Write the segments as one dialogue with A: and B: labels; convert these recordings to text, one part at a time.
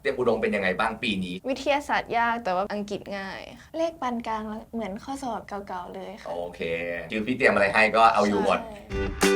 A: เตรียมอุดมเป็นยังไงบ้างปีนี้
B: วิทยาศาสตร์ยากแต่ว่าอังกฤษง่ายค่ะเลขปานกลางแล้วเหมือนข้อสอบเก่าๆเลยค่ะ
A: โอเคคือพี่เตรียมอะไรให้ก็เอาอยู่หมด
B: ใช่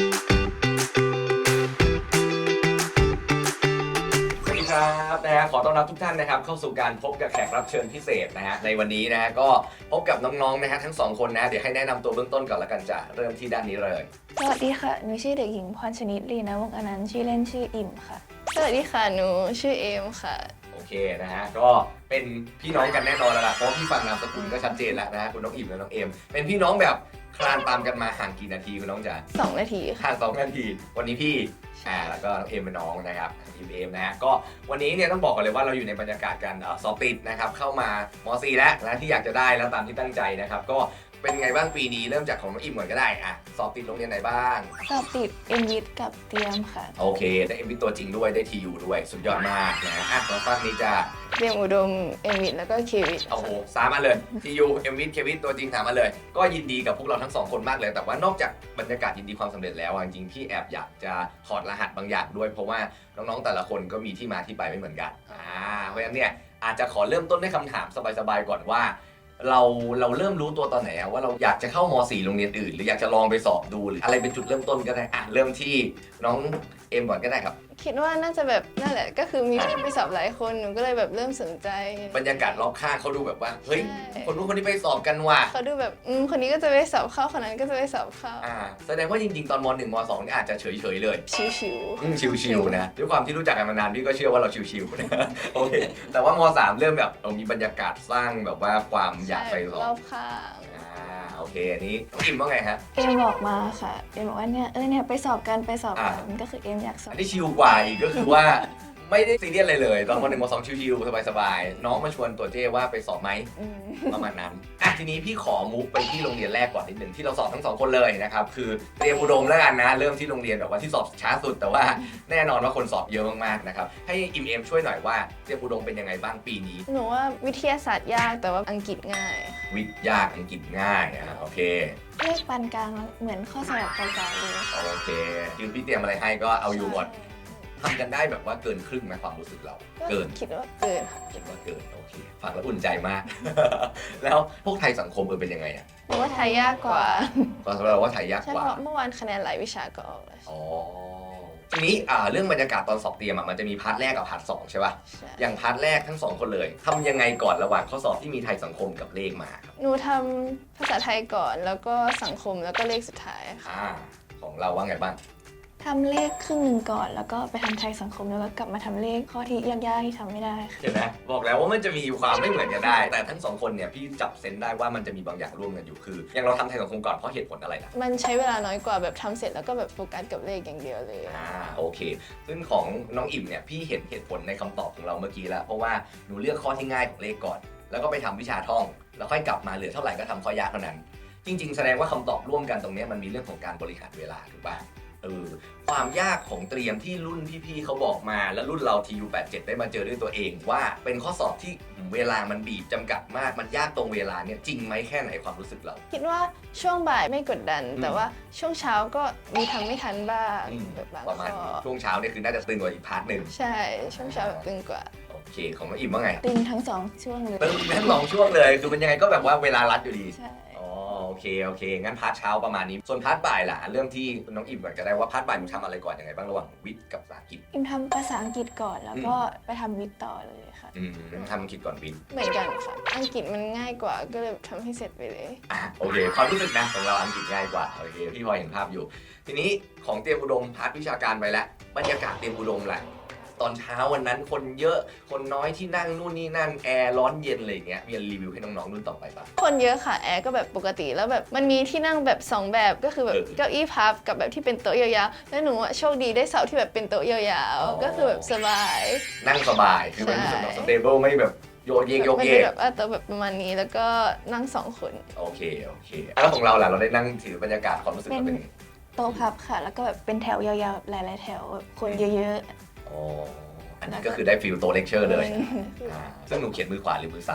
A: สวัสดีครับนะฮะขอต้อนรับทุกท่านนะครับเข้าสู่การพบกับแขกรับเชิญพิเศษนะฮะในวันนี้นะฮะก็พบกับน้องๆนะฮะทั้งสองคนนะเดี๋ยวให้แนะนำตัวเบื้องต้นก่อนละกันจะเริ่มที่ด้านนี้เลย
B: สวัสดีค่ะหนูชื่อเด็กหญิงพรชนิดลีนะวงศ์อนันต์ชื่อเล่นชื่ออิ่มค่ะสวัสดีค่ะหนูชื่อเอมค่ะ
A: โอเคนะฮะก็เป็นพี่น้องกันแน่นอนแล้วล่ะเพราะพี่ฟังนามสกุลก็ชัดเจนแล้วนะฮะคุณน้องอิ่มและน้องเอมเป็นพี่น้องแบบคลานตามกันมาห่างกี่นาทีคุณน้องจ๋า
B: 2 นาทีค่ะ
A: ห่าง2 นาทีวันนี้พี่แล้วก็น้องเอมเป็นน้องนะครับเอมนะฮะก็วันนี้เนี่ยต้องบอกก่อนเลยว่าเราอยู่ในบรรยากาศการสอบติดนะครับเข้ามาม.4 แล้วนะที่อยากจะได้แล้วตามที่ตั้งใจนะครับก็เป็นไงบ้างปีนี้เริ่มจากของน้องอิ่มก่อนก็ได้สอบติดโรงเรียนไหนบ้าง
B: สอบติดเอ็มวิทกับเตรียมค่ะ
A: โอเคได้เอ็มวิตัวจริงด้วยได้ทียูด้วยสุดยอดมากนะตอนฟังนี้จะ
B: เตรียมอุดมเอ็มวิทแล้วก็เควิท
A: โอ้โหสามอันเลยทียูเอ็มวิเควิตัวจริงสามอันเลยก็ยินดีกับพวกเราทั้งสองคนมากเลยแต่ว่านอกจากบรรยากาศยินดีความสำเร็จแล้วจริงๆพี่แอบอยากจะถอดรหัสบางอย่างด้วยเพราะว่าน้องๆแต่ละคนก็มีที่มาที่ไปไม่เหมือนกันเพราะฉะนั้นเนี่ยอาจจะขอเริ่มต้นด้วยคำถามสบายๆก่อนว่าเราเริ่มรู้ตัวตอนไหนว่าเราอยากจะเข้าม.4 โรงเรียนอื่นหรืออยากจะลองไปสอบดูหรืออะไรเป็นจุดเริ่มต้นก็ได้เริ่มที่น้องเอ็มก่อนก็ได้ครับ
B: คิดว่าน่าจะแบบนั่นแหละก็คือมีพี่ไปสอบหลายคนหนูก็เลยแบบเริ่มสนใจ
A: บรรยากาศรอบข้างเขาดูแบบว่าเฮ้ยคนนู้นคนนี้ไปสอบกันว่ะ
B: เขาดูแบบคนนี้ก็จะไปสอบเข้าคนนั้นก็จะไปสอบเข้า
A: แสดงว่าจริงๆตอนม.1 ม.2 นี่อาจจะเฉยๆเลย
B: ชิว
A: ชิวๆนะด้วยความที่รู้จักกันมานานพี่ก็เชื่อว่าเราชิวๆนะโอเคแต่ว่าม.3 เริ่มแบบมีบรรยากาศสร้างแบบว่าความอยากไปสอบ
B: รอบข้าง
A: โอเคอันนี้น้องอิมว่าไงฮะ
B: เอ็มบอกมาค่ะเอ็มบอกว่าเนี่ยไปสอบกันก็คือเอ็มอยากสอบ
A: อันนี้ชิวกว่าอีกก็คือว่าไม่ได้ซีเรียสอะไรเลยตอนม.1 ม.2 ชิวๆสบายๆน้องมาชวนตัวเจ้ว่าไปสอบไหมประมาณนั้นทีนี้พี่ขอมุกไปที่โรงเรียนแรกก่อนนิดหนึ่งที่เราสอบทั้งสองคนเลยนะครับคือเตรียมอุดมแล้วกันนะเริ่มที่โรงเรียนแบบว่าที่สอบช้าสุดแต่ว่าแน่นอนว่าคนสอบเยอะมากๆนะครับให้อิมเอมช่วยหน่อยว่าเตรียมอุดมเป็นยังไงบ้างปีนี้
B: หนูว่าวิทยาศาสตร์ยากแต่ว่าอังกฤษง่าย
A: วิทยาอังกฤษง่ายโอเค
B: เลขปานกลางแล้วเหมือนข้อสอบเก่าๆเลย
A: โอเคคือพี่เตรียมอะไรให้ก็เอาอยู่หมดทำกันได้แบบว่าเกินครึ่งไหมความรู้สึกเราเกิน
B: คิดว่าเกินค่ะ
A: คิดว่าเกินโอเคฟังแล้วอุ่นใจมาก แล้วพวกไทยสังคมเป็นยังไง
B: หนูว่าไทยยากกว่า
A: ก็สำหรับว่าไทยยากกว่า
B: ใช่เพราะเมื่อวานคะแนนหลายวิชาก็ออกแล้ว
A: ทีนี้เรื่องบรรยากาศตอนสอบเตรียมมันจะมีพาร์ทแรกกับพาร์ท 2ใช่ป่ะอย่างพาร์ทแรกทั้ง2คนเลยทำยังไงก่อนระหว่างข้อสอบที่มีไทยสังคมกับเลขมาครับ
B: หนูทำภาษาไทยก่อนแล้วก็สังคมแล้วก็เลขสุดท้ายค่ะ
A: ของเราว่าไงบ้าง
B: ทำเลขครึ่งหนึ่งก่อนแล้วก็ไปทำไทยสังคมแล้วก็กลับมาทำเลขข้อที่ยากๆที่ทำไม่ได้
A: เห็นไหมบอกแล้วว่ามันจะมีความไม่เหมือนกันได้แต่ทั้ง2คนเนี่ยพี่จับเซนได้ว่ามันจะมีบางอย่างร่วมกันอยู่คืออย่างเราทำไทยสังคมก่อนเพราะเหตุผลอะไรนะ
B: มันใช้เวลาน้อยกว่าแบบทำเสร็จแล้วก็แบบโฟกัสกับเลขอย่างเดียวเลย
A: โอเคซึ่งของน้องอิ่มเนี่ยพี่เห็นเหตุผลในคำตอบของเราเมื่อกี้แล้วเพราะว่าหนูเลือกข้อที่ง่ายของเลขก่อนแล้วก็ไปทำวิชาท่องแล้วค่อยกลับมาเหลือเท่าไหร่ก็ทำข้อยากเท่านั้นจริงๆแสดงว่าคำตอบร่วมกันตรงนี้มันมีเรื่องของการบริหารเวลาถูกป่ะความยากของเตรียมที่รุ่นพี่ๆเขาบอกมาแล้วรุ่นเรา TU87 ได้มาเจอด้วยตัวเองว่าเป็นข้อสอบที่เวลามันบีบจำกัดมากมันยากตรงเวลาเนี่ยจริงไหมแค่ไหนความรู้สึกเรา
B: คิดว่าช่วงบ่ายไม่กดดันแต่ว่าช่วงเช้าก็มีทำไม่ทันบ้างแบบบาง
A: ประมาณช่วงเช้าเนี่ยคือน่าจะตึงกว่าอีกพาร์ทหนึ่ง
B: ใช่ช่วงเช้าแบบตึงกว่า
A: โอเคของน้องอิ่มว่าไง
B: ตึงทั้ง2ช่วงเลย
A: ตึงทั้ง2ช่วงเลยคือมันยังไงก็แบบว่าเวลารัดอยู่ดี
B: ใช่
A: โอเคงั้นพาร์ทเช้าประมาณนี้ส่วนพาร์ทบ่ายล่ะเรื่องที่น้องอิ่มก่อนก็ได้ว่าพาร์ทบ่ายมึงทำอะไรก่อนยังไงบ้างระหว่างวิทย์กับภาษาอังกฤษ
B: อิ่มทำภาษาอังกฤษก่อนแล้วก็ไปทำวิทย์ต่อเลยค่ะ
A: ทำอังกฤษก่อนวิทย์
B: เหมือนกันค่ะอังกฤษมันง่ายกว่าก็เลยทำให้เสร็จไปเลย
A: โอเคความรู้สึกนะของเราอังกฤษง่ายกว่าโอเคพี่พอเห็นภาพอยู่ทีนี้ของเตรียมอุดมพาร์ทวิชาการไปแล้วบรรยากาศเตรียมอุดมแหละตอนเช้าวันนั้นคนเยอะคนน้อยที่นั่งนู่นนี่นั่นแอร์ร้อนเย็นอะไรเงี้ยมีรีวิวให้น้องๆรุ่นต่อไปป่ะ
B: คนเยอะค่ะแอร์ก็แบบปกติแล้วแบบมันมีที่นั่งแบบ2แบบก็คือแบบเก้าอี้พับกับแบบที่เป็นโต๊ะยาวๆแล้วหนูโชคดีได้เสาที่แบบเป็นโต๊ะยาวๆก็คือแบบสบาย
A: นั่งสบายคือมันรู้สึกสเตเบิลไม่แบบโยกเยก
B: แบบโต๊ะแบบประมาณนี้แล้วก็นั่ง2 คน
A: โอเคแล้วของเราล่ะเราได้นั่งถือบรรยากาศความรู้สึกเป็น
B: โต๊ะพับค่ะแล้วก็แบบเป็นแถวยาวๆหลายๆแถวคนเยอะ
A: ๆอันนี้ก็คือได้ฟิลโตเลคเชอร์เลยซึ่งหนูเขียนมือขวาหรือมือซ้าย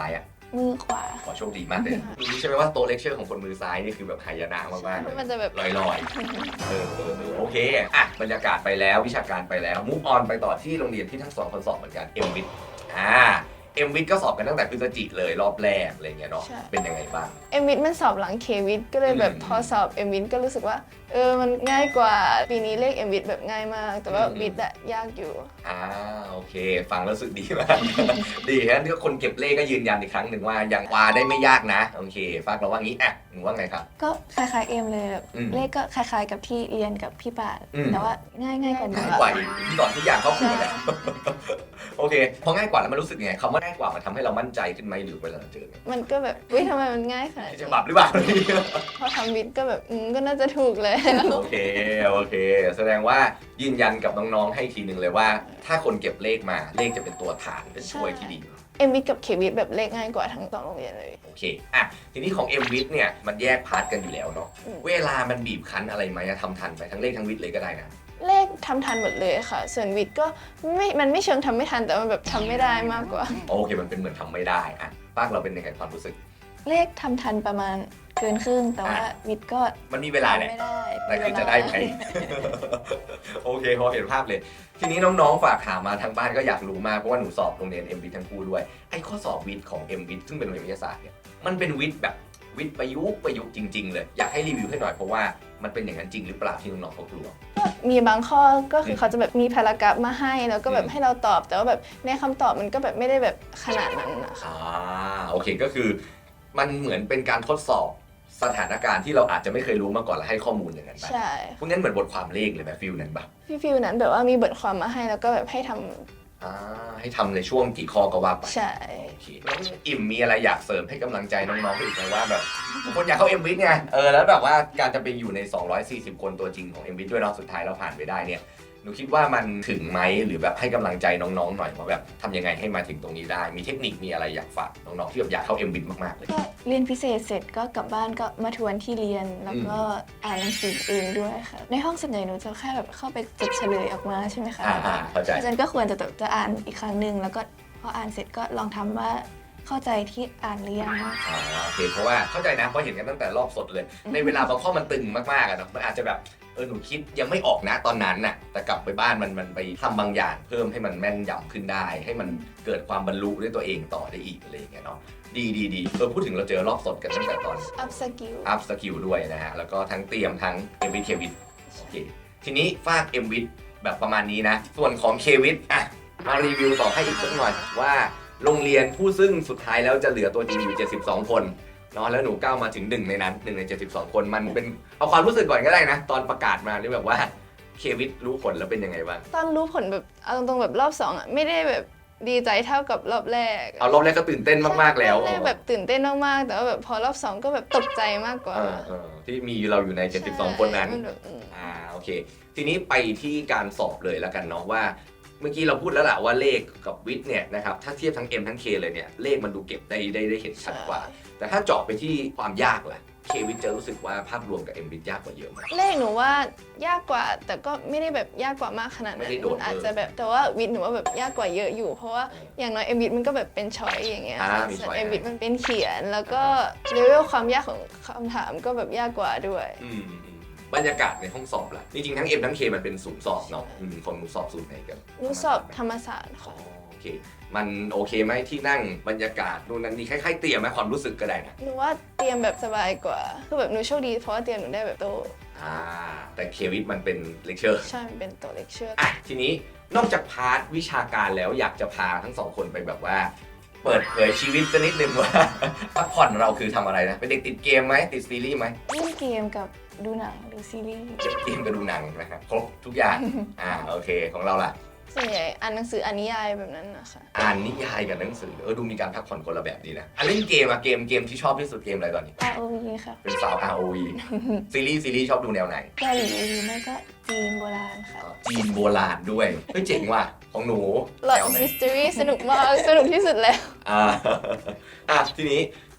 B: มือขวา
A: ขอโชคดีมากเลยรู้ใช่ไหมว่าโต๊ะเลคเชอร์ของคนมือซ้ายนี่คือแบบหายนะมากๆเลย
B: มันจะแบบ
A: ลอยๆโอเคอ่ะบรรยากาศไปแล้ววิชาการไปแล้วมูฟออนไปต่อที่โรงเรียนที่ทั้งสองคนสอบเหมือนกันเอ็มวิทเอ็มวิทก็สอบกันตั้งแต่พฤศจิกเลยรอบแรกอะไรเงี้ยเนาะเป็นยังไงบ้าง
B: เอ็มวิทมันสอบหลังเควิทก็เลยแบบพอสอบเอ็มวิทก็รู้สึกว่ามันง่ายกว่าปีนี้เลขเอ็มวิทแบบง่ายมาก แต่ว่าวิทอะยากอยู่
A: โอเคฟังแล้วรู้สึกดีมาก ดีฮะที่คนเก็บเลขก็ยืนยันอีกครั้งหนึ่งว่ายังวาได้ไม่ยากนะโอเคฟังเราว่างี้อ่ะหนูว่าไงครับ
C: ก็คล้ายๆเอ็มเลยแบบเลขก็คล้ายๆกับที่เรียนกับพี่ปาดแต่ว่าง่ายกว่า
A: ง่ายกว่าอีกที่สอนทุกอย่างครอบคลุมแล้ว โอเคพอง่ายกว่าแล้วมันรู้สึกไงคำว่าง่ายกว่ามันทำให้เรามั่นใจขึ้นไหมหรือเวลาเราเจอเนี่ย
B: มันก็แบบทำไมมันง่ายขนาด
A: จะ
B: นี้
A: บับหรือเปล่า
B: พอทำวิทก็แบบก็น่าจะถูกเลย
A: โอเคแสดงว่ายืนยันกับน้องๆให้ทีหนึ่งเลยว่า ถ้าคนเก็บเลขมาเลขจะเป็นตัวฐานเป็นช่วยที่ดี
B: เอ็มวิทกับเควิทแบบเลขง่ายกว่าทั้งสองโรงเรียนเลย
A: โอเคอ่ะทีนี้ของ M วิทเนี่ยมันแยกพาร์ทกันอยู่แล้วเนาะเวลามันบีบคั้นอะไรไหมทำทันไปทั้งเลขทั้งวิทเลยก็ได้นะ
B: เลขทำทันหมดเลยค่ะ ส่วนวิทย์ก็มันไม่เชิงทำไม่ทันแต่มันแบบทำไม่ได้มากกว่า
A: โอเคมันเป็นเหมือนทำไม่ได้อะปากเราเป็นยังไงความรู้สึก
C: เลขทำทันประมาณเกินครึ่งแต่ว่าวิทย์ก็
A: มันมีเวลาแหละ
C: ไม่ได้
A: แต่คือจะได้ไหม โอเคพอเห็นภาพเลย ทีนี้น้องๆฝากถามมาทางบ้านก็อยากรู้มากเพราะว่าหนูสอบโรงเรียน M วิททั้งคู่ด้วยไอ้ข้อสอบวิทย์ของ M วิทซึ่งเป็นโรงเรียนวิทยาศาสตร์เนี่ยมันเป็นวิทย์แบบวิทย์ประยุกต์จริงๆเลยอยากให้รีวิวให้หน่อยเพราะว่ามันเป็นอย่างนั้นจริงหรือเปล่าที่น้องๆเขากลัว
B: มีบางข้อก็คือเขาจะแบบมีพารากราฟมาให้แล้วก็แบบให้เราตอบ แต่ว่าแบบในคำตอบมันก็แบบไม่ได้แบบขนาดนั้นนะคะ
A: โอเคก็คือมันเหมือนเป็นการทดสอบสถานการณ์ที่เราอาจจะไม่เคยรู้มาก่อนแล้วให้ข้อมูลอย่างนั้นไป
B: ใช่
A: พวกนั้นเหมือนบทความเลขเลยแบบฟิลนั้นปะ
B: พี่ฟิวนั้นแบบว่ามีบทความมาให้แล้วก็แบบให้ทำ
A: ให้ทำในช่วงกี่ข้อก็ว่าไป
B: ใช่
A: โอเคน้องอิ่มมีอะไรอยากเสริมให้กำลังใจน้องๆอีกไหมว่าแบบคนอยากเข้า M วิทไงแล้วแบบว่าการจะไปอยู่ใน 240 คนตัวจริงของ M วิทด้วยเนาะสุดท้ายเราผ่านไปได้เนี่ยหนูคิดว่ามันถึงไหมหรือแบบให้กำลังใจน้องๆหน่อยว่าแบบทำยังไงให้มาถึงตรงนี้ได้มีเทคนิคมีอะไรอยากฝากน้องๆที่แบบอยากเข้า M วิทมากๆเลย
C: ก็เรียนพิเศษเสร็จก็กลับบ้านก็มาทวนที่เรียนแล้วก็อ่านหนังสือเองด้วยค่ะในห้องส่วนใหญ่หนูจะแค่แบบเข้าไปจดเฉลยออกมาใช่ไหมคะ
A: เข้าใจ
C: อาจารย์ก็ควรจะอ่านอีกครั้งหนึ่งแล้วก็พออ่านเสร็จก็ลองทำว่าเข้าใจที่อ่านหรือยัง
A: โอเคเพราะว่าเข้าใจนะเพราะเห็นกันตั้งแต่รอบสดเลย ในเวลาบางข้อมันตึงมากๆอะเนาะมันอาจจะแบบหนูคิดยังไม่ออกนะตอนนั้นน่ะแต่กลับไปบ้านมันไปทำบางอย่างเพิ่มให้มันแม่นยำขึ้นได้ ให้มันเกิดความบรรลุด้วยตัวเองต่อได้อีกอะไรอย่างเงี้ยเนาะดีพูดถึงเราเจอรอบสดกันตั้งแต่ตอน
B: อัพสกิล
A: อัพสกิลด้วยนะฮะแล้วก็ทั้งเตรียมทั้งเอ็มวิทเควิทโอเคทีนี้ฝากเอ็มวิทแบบประมาณนี้นะส่วนของเควิทมารีวิวต่อให้อีกสักหน่อยว่าโรงเรียนผู้ซึ่งสุดท้ายแล้วจะเหลือตัวจริงอยู่72 คนเนาะแล้วหนูก้าวมาถึง1ในนั้น1ใน72 คนมันเป็นเอาความรู้สึกก่อนก็ได้นะตอนประกาศมานี่แบบว่าเควิทรู้ผลแล้วเป็นยังไงบ้าง
B: ตอนรู้ผลแบบเอาตรงๆแบบรอบ2อ่ะไม่ได้แบบดีใจเท่ากับรอบแรก
A: เอารอบแรกก็ตื่นเต้นมากๆแล้ว
B: รอบแรกแบบตื่นเต้นมากๆแต่ว่าแบบพอรอบ2ก็แบบตกใจมากกว่า
A: ที่มีเราอยู่ใน72 คนนั้น
B: ใช่มัแบบ
A: โอเคทีนี้ไปที่การสอบเลยแล้วกันเนาะว่าเมื่อกี้เราพูดแล้วแหละว่าเลขกับวิทย์เนี่ยนะครับถ้าเทียบทั้ง M ทั้ง K เลยเนี่ยเลขมันดูเก็บได้เห็นชัดกว่า แต่ถ้าเจาะไปที่ความยากล่ะ K วิทย์จะรู้สึกว่าภาพรวมกับ M วิทย์ยากกว่าเยอะไหม
B: เลขหนูว่ายากกว่าแต่ก็ไม่ได้แบบยากกว่ามากขนาดนั้น
A: ไม่ได้โดด
B: อาจจะแบบแต่ว่าวิทย์หนูว่าแบบยากกว่าเยอะอยู่ เพราะว่าอย่างน้อยเอ็มวิทย์มันก็แบบเป็นช้อยอย่างเงี้ย
A: มี
B: ส่ว
A: ช้
B: น
A: อย
B: เอ็มวิทย์มันเป็นเขียน แล้วก็เลเวลความยากของคำถามก็แบบยากกว่าด้วย
A: บรรยากาศในห้องสอบล่ะจริงๆทั้ง M ทั้ง K มันเป็นศูนย์สอบเนาะของหนูสอบศูนย์ไหนกัน
B: หนูสอบธรรมศาสตร์ค่ะ
A: โอเคมันโอเคไหมที่นั่งบรรยากาศนู่นนั่นนี่คล้ายๆเตรียมไหมความรู้สึกก็ได้นะ
B: หนูว่าเตรียมแบบสบายกว่าคือแบบหนูโชคดีเพราะว่าเตรียมหนูได้แบบโตะ
A: แต่เควิทมันเป็นเลคเชอร์
B: ใช่มันเป็นโตะเลคเชอร์
A: ทีนี้นอกจากพาร์ทวิชาการแล้วอยากจะพาทั้งสองคนไปแบบว่า เปิดเผยชีวิตสักนิดนึงว่า พักผ่อนเราคือทำอะไรนะเป็นเด็กติดเกมไหมติดซีรีส์ไหม
C: เล่นเกมกับดูหนังหรือซีรีส์
A: เก็บเกมกับดูหนังนะครับครบทุกอย่าง โอเคของเราล่ะ
B: ส่วนใหญ่อ่านหนังสืออ่านนิยายแบบนั้นนะคะ
A: อ่านนิยายกับหนังสือดูมีการพักผ่อนคนละแบบดีนะเล่นเกมเกมที่ชอบที่สุดเกมอะไรตอนนี้
C: ROV ค่ะ
A: เป็นสาว ROV ซีรีส์ชอบดูแนวไหน
C: เกาหลีหรือไม่ก็จีนโบราณค่ะ
A: จีนโบราณด้วยเฮ้ยเจ๋งว่ะของหนู
B: หลอด
A: แนวไหน
B: มิส t ต r y สนุกมาก สนุกที่สุดแล้ว
A: ทีนี้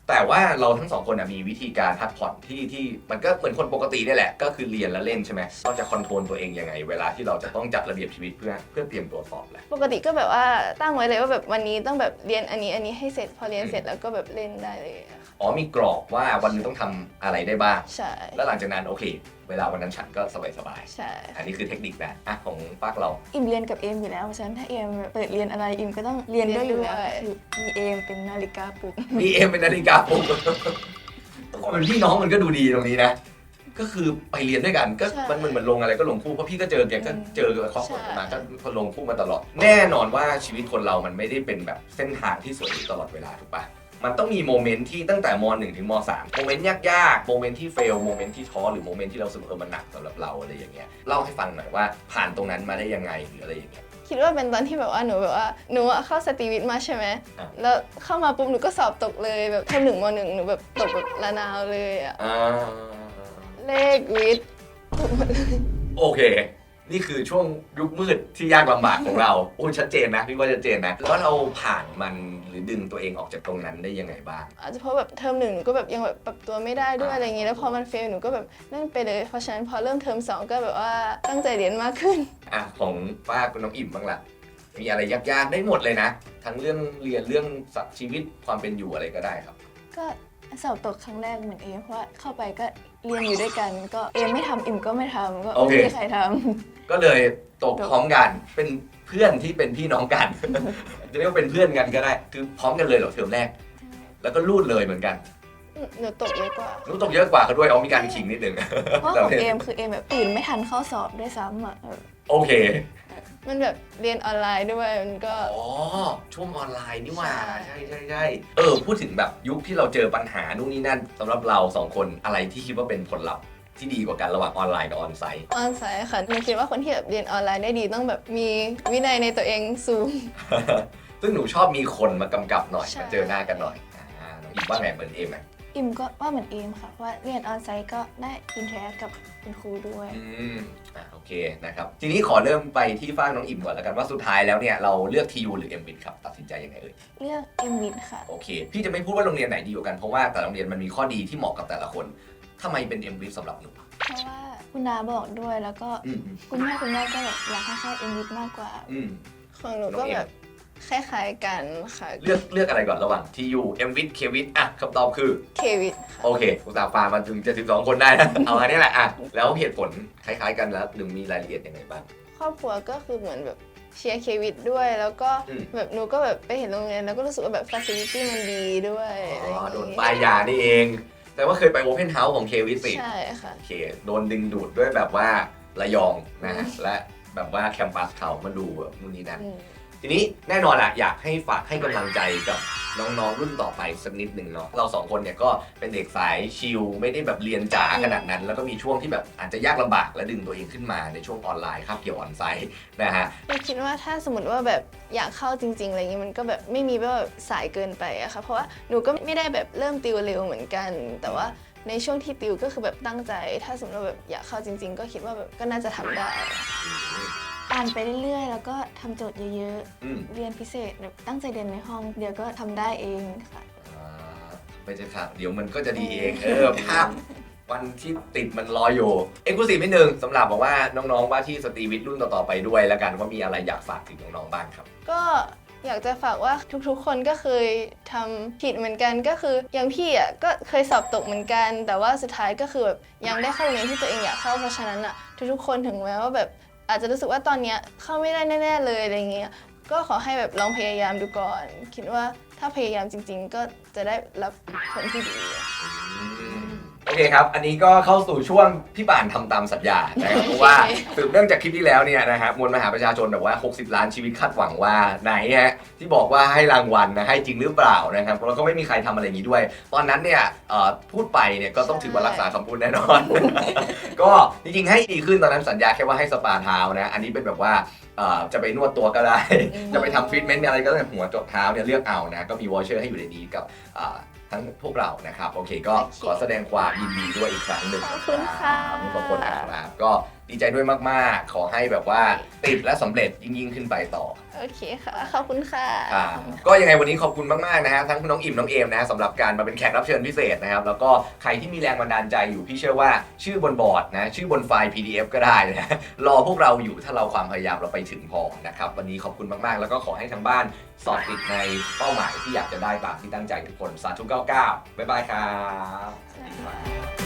A: แต่ว่าเราทั้งสองคนมีวิธีการพักผ่อนที่มันก็เหมือนคนปกตินี่แหละก็คือเรียนแล้วเล่นใช่ไหมเราจะคอนโทรลตัวเองยังไงเวลาที่เราจะต้องจัดระเบียบชีวิตเพื่อเตรียมตัวสอบแหละ
B: ปกติก็แบบว่าตั้งไว้เลยว่าแบบวันนี้ต้องแบบเรียนอันนี้ให้เสร็จพอเรียนเสร็จแล้วก็แบบเล่นได้เลยอะค่ะ
A: อ๋อมีกรอบว่าวันนึงต้องทำอะไรได้บ้าง
B: ใช่
A: แล้วหลังจากนั้นโอเค เวลาวันนั้นฉันก็สบาย
B: ใช่
A: ๆอันนี้คือเทคนิคนะของปากเรา
C: อิมเรียนกับเอมอยู่แล้วเพราะฉะนั้นถ้าเอมเปิดเรียนอะไรอิมก็ต้องเรียนด้วยอยู่แล้วคือมีเอมเป็นนาฬิกาปลุก
A: มีเอ็มเป็นนาฬิกาปลุกก็เป็นพี่น้องมันก็ดูดีตรงนี้นะ ก็คือไปเรียนด้วยกันก็มันเหมือนลงอะไรก็ลงคู่เพราะพี่ก็เจอแกก็เจอกับครอบครัวมาก็ลงคู่มาตลอด แน่นอนว่าชีวิตคนเรามันไม่ได้เป็นแบบเส้นทางที่สวยตลอดเวลาถูกปะมันต้องมีโมเมนต์ที่ตั้งแต่ม .1 ถึงม .3 โมเมนต์ยากๆโมเมนต์ที่เฟลโมเมนต์ที่ท้อหรือโมเมนต์ที่เรารู้สึกมันหนักสำหรับเราอะไรอย่างเงี้ยเล่าให้ฟังหน่อยว่าผ่านตรงนั้นมาได้ยังไงหรืออะไรอย่างเงี้ย
B: คิดว่าเป็นตอนที่แบบว่าหนูอะเข้าสตรีวิทย์มาใช่ไหม
A: อ่ะ
B: แล้วเข้ามาปุ๊บหนูก็สอบตกเลยแบบเทอม1 ม .1 หนูแบบตกแบบระนาวเลยอะ
A: อ่า
B: เลขวิทย์ตกหมดเลย
A: โอเค นี่คือช่วงยุคมืดที่ยากลำบากของเราโอ้ชัดเจนนะพี่ว่าชัดเจนนะแล้วเราผ่านมันหรือดึงตัวเองออกจากตรงนั้นได้ยังไงบ้าง
B: อาจจะเพราะแบบเทอม 1หนูก็แบบยังแบบปรับตัวไม่ได้ด้วยอะไรอย่างงี้แล้วพอมันเฟลหนูก็แบบนั่นไปเลยเพราะฉะนั้นพอเริ่มเทอม 2ก็แบบว่าตั้งใจเรียนมากขึ้น
A: ของป้าคุณน้องอิ่มบ้างล่ะมีอะไรยากๆได้หมดเลยนะ ทั้งเรื่องเรียนเรื่องสัตว์ชีวิตความเป็นอยู่อะไรก็ได้ครับ
C: ก็สอบตกครั้งแรกเหมือนเอมเพราะว่าเข้าไปก็เรียนอยู่ด้วยกัน ก็เอมไม่ทำอิมก็ไม่ทำก็
A: โอ
C: ไม่
A: เค
C: มีใครท
A: ก็เลยตกพร้อมกันเป็นเพื่อนที่เป็นพี่น้องกัน จะเรียกว่าเป็นเพื่อนกันก็ได้คือพร้อมกันเลยเหรอเทอมแรก
C: ำ
A: แล้วก็รูดเลยเหมือนกัน
B: หนูตกเยอะกว่า
A: รู้ตกเยอะกว่าเขาด้วยมีการขิงนิดนึง
C: เพราะของเอมคือเอมแบบตื่นไม่ทันเข้าสอบด้วยซ้ำอ่ะ
A: โอเค
B: มันแบบเรียนออนไลน์ด้วยมันก็
A: อ๋อช่วงออนไลน์นี่หว่า
B: ใช่
A: ใช่พูดถึงแบบยุคที่เราเจอปัญหานู่นนี่นั่นสำหรับเราสองคนอะไรที่คิดว่าเป็นผลลัพธ์ที่ดีกว่ากันระหว่างออนไลน์กับออนไซต์
B: ออนไซต์ค่ะหนูคิดว่าคนที่แบบเรียนออนไลน์ได้ดีต้องแบบมีวินัยในตัวเองสูง
A: ซึ่งหนูชอบมีคนมากำกับหน่อย
B: ใช่
A: มาเจอหน้ากันหน่อยน้องอีกว่าไงเหมือนเอมไหม
C: อิมก็ว่าเหมือนเอมค่ะเพราะว่าเรียนออนไซต์ก็ได้อินเทอร์แอคกับคุณครูด้วย
A: โอเคนะครับทีนี้ขอเริ่มไปที่ฝ้ากน้องอิ่มก่อนแล้วกันว่าสุดท้ายแล้วเนี่ยเราเลือก TU หรือ MWIT ครับตัดสินใจยังไงเอ่ย
C: เลือกเอมวิทค่ะ
A: โอเคพี่จะไม่พูดว่าโรงเรียนไหนดีกว่ากันเพราะว่าแต่ละโรงเรียนมันมีข้อดีที่เหมาะกับแต่ละคนทำไมเป็น MWIT สำหรับหนู
C: เพราะว่าคุณนาบอกด้วยแล้วก็
A: อืม
C: คุณแม่ก็แบบอยากให้เข้าเอมวิทมากกว่า
A: อืม
B: ของหนูก็แบบคล้ายๆกันค่ะ
A: เลือกอะไรก่อนระหว่าง TU MWIT KWIT คำตอบคือ
B: เควิท
A: โอเคอุตส่าห์ฟามาถึง72คนได้นะ เอาอันนี้แหละแล้วเหตุผลคล้ายๆกันแล้วหนึ่งมีรายละเอียดยังไงบ้าง
B: ครอบครัวก็คือเหมือนแบบเชียร์เควิทด้วย แล้วก็
A: อืม
B: แบบหนูก็แบบไปเห็นโรงเรียนแล้วก็รู้สึกว่าแบบฟ a ซิลิตี้มันดีด้วยอะไรอย่าง
A: โดน
B: งี้
A: ป้ายยานี่เอง แต่ว่าเคยไป Open House ของ KWIT สิ
B: ใช่ค่ะ
A: โอเคโดนดึงดูดด้วยแบบว่าระยองนะฮะและแบบว่าแคมปัสเขามาดูแบบนู่นนี่นั่น
B: อืม
A: ทีนี้แน่นอนละอยากให้ฝากให้กำลังใจกับน้องๆรุ่นต่อไปสักนิดหนึ่งเนาะเราสองคนเนี่ยก็เป็นเด็กสายชิลไม่ได้แบบเรียนจ๋าขนาดนั้น แล้วก็มีช่วงที่แบบอาจจะยากลำบากและดึงตัวเองขึ้นมาในช่วงออนไลน์คาบเกี่ยวออนไซต์นะฮะ
B: หนูคิดว่าถ้าสมมติว่าแบบอยากเข้าจริงๆอะไรอย่างงี้มันก็แบบไม่มีแบบสายเกินไปอะค่ะเพราะว่าหนูก็ไม่ได้แบบเริ่มติวเร็วเหมือนกัน แต่ว่าในช่วงที่ติวก็คือแบบตั้งใจ ถ้าสมมติว่าแบบอยากเข้าจริง ๆ ก็คิดว่าแบบก็น่าจะทำได้
C: อ่านไปเรื่อยๆ แล้วก็ทำโจทย์เยอะ
A: อืม
C: ๆ เรียนพิเศษแบบตั้งใจเรียนในห้องเดี๋ยวก็ทำได้เองค่ะ
A: ไม่ใช่ค่ะเดี๋ยวมันก็จะดีเองภาพวันที่ติดมันรออยู่เอ็กซ์คลูซีฟนิดนึงสำหรับบอกว่าน้องๆว่าที่สตรีวิทย์รุ่นต่อๆไปด้วยแล้วกันว่ามีอะไรอยากฝากถึงน้องๆบ้างครับ
B: ก็อยากจะฝากว่าทุกๆ คนก็เคยทำผิดเหมือนกันก็คืออย่างพี่อ่ะก็เคยสอบตกเหมือนกัน แต่ว่าสุดท้ายก็คือแบบยังได้เข้าโรงเรียนที่ตัวเองอยากเข้าเพราะฉะนั้นอ่ะทุกๆ คนถึงแม้ว่าแบบอาจจะรู้สึกว่าตอนเนี้ยเข้าไม่ได้แน่ๆเลยอะไรเงี้ยก็ขอให้แบบลองพยายามดูก่อน คิดว่าถ้าพยายามจริง ๆ ก็จะได้รับผลที่ดี
A: โอเคครับ อันนี้ก็เข้าสู่ช่วงพี่ป่านทำตามสัญญานะครับเพราะว่าสืบเนื่องจากคลิปที่แล้วเนี่ยนะฮะมวลมหาประชาชนแบบว่า60 ล้านชีวิตคาดหวังว่าไหนฮะที่บอกว่าให้รางวัลนะให้จริงหรือเปล่านะครับแล้วก็ไม่มีใครทำอะไรอย่างนี้ด้วย ตอนนั้นเนี่ยพูดไปเนี่ยก็ต้องถือว่ารักษาคำพูดแน่นอน ก็จริงๆให้ดีขึ้นตอนนั้นสัญญาแค่ว่าให้สปาเท้านะอันนี้เป็นแบบว่าจะไปนวดตัวก็ได้ จะไปทำทรีทเมนต์อะไรก็ได้หัวจดเท้าเนี่ยเลือกเอานะก็มีวอเชอร์ให้อยู่ในนี้กับทั้งพวกเรานะครับโอเคก็ขอแสดงความยินดีด้วยอีกครั้งหนึ่ง
B: ขอบคุณค่ะ
A: ทั้งสองคนนะครับก็ดีใจด้วยมากๆ ขอให้แบบว่าติดและสำเร็จยิ่งขึ้นไปต่อ
B: โอเคค่ะ ขอบคุณค่ะ
A: ก็ยังไงวันนี้ขอบคุณมากๆนะฮะทั้งน้องอิ่มน้องเอมนะฮะสำหรับการมาเป็นแขกรับเชิญพิเศษนะครับแล้วก็ใครที่มีแรงบันดาลใจอยู่พี่เชื่อว่าชื่อบนบอร์ดนะชื่อบนไฟล์ PDF ก็ได้นะรอพวกเราอยู่ถ้าเราความพยายามเราไปถึงพอนะครับวันนี้ขอบคุณมากๆ แล้วก็ขอให้ทางบ้านสอบติดในเป้าหมายที่อยากจะได้ตามที่ตั้งใจทุกคนสาธุ99บ๊ายบายครับ